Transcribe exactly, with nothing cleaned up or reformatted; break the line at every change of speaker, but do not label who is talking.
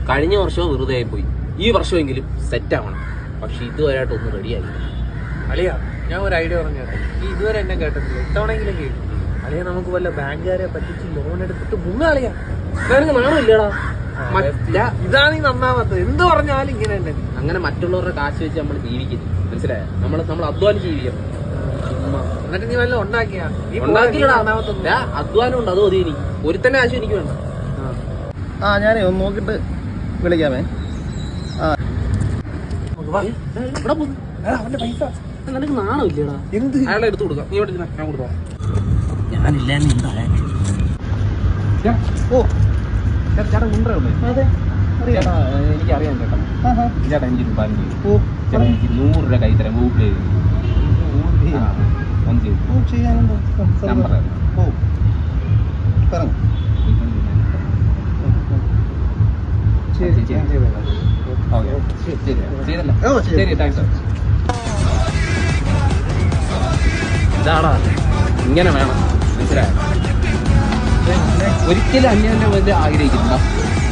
കഴിഞ്ഞ വർഷവും വെറുതെ ആയി പോയി. ഈ വർഷമെങ്കിലും സെറ്റ് ആവണം. പക്ഷെ ഇതുവരെയായിട്ടൊന്നും റെഡിയായി.
അളിയാ, ഞാൻ ഒരു ഐഡിയ പറഞ്ഞു കേട്ടോ. ഈ ഇതുവരെ എന്നെ കേട്ടിട്ടില്ല, ഇത്തവണെങ്കിലും കേട്ടു. അളിയാ, നമുക്ക് വല്ല ബാങ്കുകാരെ പറ്റിച്ച് ലോൺ എടുത്തിട്ട് മുങ്ങാളിയാ.
നാണില്ലടാ.
ഇതാണ് ഈ നന്നാവാത്തത്. എന്ത് പറഞ്ഞാലും ഇങ്ങനെ തന്നെ.
അങ്ങനെ മറ്റുള്ളവരുടെ കാശ് വെച്ച് നമ്മൾ ജീവിക്കുന്നു, മനസ്സിലായോ? നമ്മൾ നമ്മൾ അധ്വാനിച്ച് ജീവിക്കണം.
എന്നിട്ട് നീ വല്ല ഉണ്ടാക്കിയാ?
അധ്വാനം ഉണ്ട്, അത് മതി. എനിക്ക് ഒരുത്തന്നെ കാശ് എനിക്ക് വേണ്ട.
ആ ഞാനേ ഒന്ന് നോക്കിട്ട് വിളിക്കാമേ.
അവന്റെ പൈസ
നിനക്ക് നാണമില്ലടാ?
എന്ത്?
അയാളെ എടുത്തു കൊടുക്കാം. നീ ഇവിടെ ഞാൻ കൊടുക്കാം.
ഞാനില്ല
ഓ ചേട്ടാ മുണ്ടേ ഉള്ളേ? ചേട്ടാ എനിക്കറിയാം ചേട്ടാ. ചേട്ടാ എനിക്ക് രൂപ ചേട്ടാ എനിക്ക് നൂറ് രൂപ കൈ തരാം. ഗൂഗിൾ പേ
ചെയ്യാനുണ്ടോ?
നമ്പർ
ഓ പറഞ്ഞു.
ശരി ശരി താങ്ക്സ്. ഇതാടാ, ഇങ്ങനെ വേണം, മനസ്സിലായോ? ഒരിക്കലും അന്യന്റെ മുന്നിൽ ആഗ്രഹിക്കുന്നില്ല.